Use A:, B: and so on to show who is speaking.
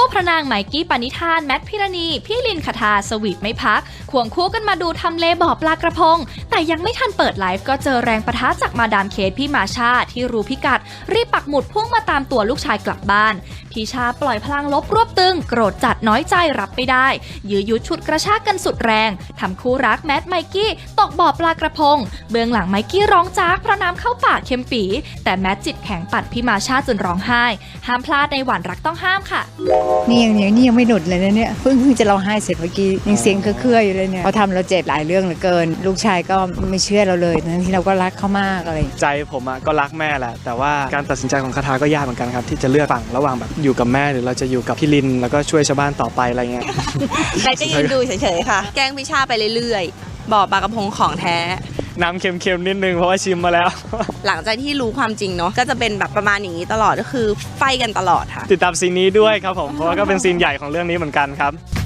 A: คู่พระนางไมกี้ปณิธานแมทพิรณีพี่ลินคทาสวีทไม่พักควงคู่กันมาดูทำเลบ่อปลากระพงแต่ยังไม่ทันเปิดไลฟ์ก็เจอแรงปะทะจากมาดามเคทพี่มาชาที่รู้พิกัดรีบปักหมุดพุ่งมาตามตัวลูกชายกลับบ้านพี่ชาปล่อยพลังลบรวบตึงโกรธจัดน้อยใจรับไม่ได้ยื้อยุดฉุดกระชากกันสุดแรงทำคู่รักแมทไมกี้ตกบ่อปลากระพงเบื้องหลังไมกี้ร้องจากเพราะน้ำเข้าปากเค็มปีแต่แมทจิตแข็งปัดพี่มาชาจนร้องไห้ห้ามพลาดในหวานรักต้องห้ามค่ะ
B: นี่ยังไม่หนุดเลยนะเนี่ยเพิ่งจะร้องไห้เสร็จเมื่อกี้ยังเสียงเครื่อยๆอยู่เลยเนี่ยเขาทำเราเจ็บหลายเรื่องเหลือเกินลูกชายก็ไม่เชื่อเราเลยทั้งที่เราก็รักเขามากอะไร
C: ใจผมก็รักแม่แหละแต่ว่าการตัดสินใจของคทาก็ยากเหมือนกันครับที่จะเลือกฝั่งระหว่างแบบอยู่กับแม่หรือเราจะอยู่กับพี่ลินแล้วก็ช่วยชาวบ้านต่อไปอะไรเงี้ย
D: ใครจะยืนดูเฉยๆค่ะแกล้งพิชาไปเรื่อยๆบ่อปลากระพงของแท้
C: น้ำเค็มๆนิดนึงเพราะว่าชิมมาแล้ว
D: หลังจากที่รู้ความจริงเนาะก็จะเป็นแบบประมาณอย่างนี้ตลอดก็คือไฟกันตลอดค่ะ
C: ติดตามซีนนี้ด้วยครับผมเพราะว่าก็เป็นซีนใหญ่ของเรื่องนี้เหมือนกันครับ